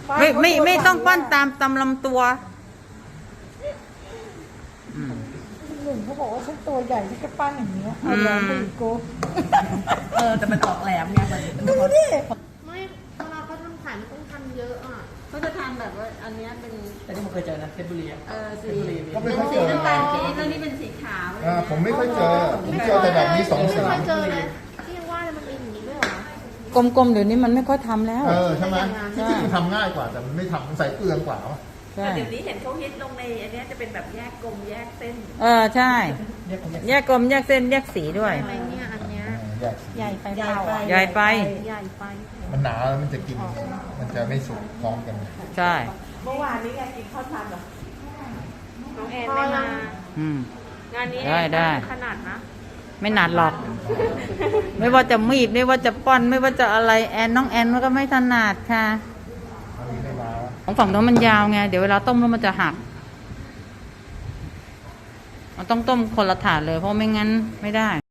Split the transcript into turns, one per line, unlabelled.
ไม่ต้องปั้นตามลำตัว
หนึ่งเขาบอกว่าฉันตัวใหญ่ที่จะปั้นอย่างเงี้ยเอาแหลมไปอีกโก
แต่มันออกแหลมไง
ดูดิ
ไม่เวลาเขาทำขายมันต้องทำเยอะอ่ะ
เขาจะทำแบบว่าอันนี้เป็นแต่ที่ผมเคยเจอนะเพชรบุรีสี
สีน้ำตาลปี๊ด
แล้วนี่เป็นสีขาว
ผมไม่ค่อยเจอผมเจอแต่แบบนี้2 สี
ไม่เคยเจอเลยที่ยังว่ามันมีอย่างนี้ด้วยเหร
อกลมๆเดี๋ยวนี้มันไม่ค่อยทำแล้ว
ใช่ไหมที่จริงมันทำง่ายกว่าแต่มันไม่ทำมันใส่เปลืองกว่า
แต่เดี๋ยวนี้เห็นเขาฮิตลงในอันนี้จะเป็นแบบแยกกลมแยกเส้น
ใช่แยกกลมแยกเส้นแยกสีด้วย
อะไรเนี่ยอันเนี้ย
ใหญ่ไปเปล่า
ใหญ่ไป
มันหนาแล้วมันจะกินมันจะไม่สุกพร้อมกัน
ใช่
เมื่อวานนี้ไงกินข้าวทานเหรอน้องแอน
ไม่
มางานนี้
ได้
ขนาดนะ
ไม่หนัดหรอกไม่ว่าจะมีดไม่ว่าจะป้อนไม่ว่าจะอะไรน้องแอนมันก็ไม่ถนัดค่ะของฝั่งโน้นมันยาวไงเดี๋ยวเวลาต้มแล้วมันจะหักมันต้องต้มคนละถาดเลยเพราะไม่งั้นไม่ได้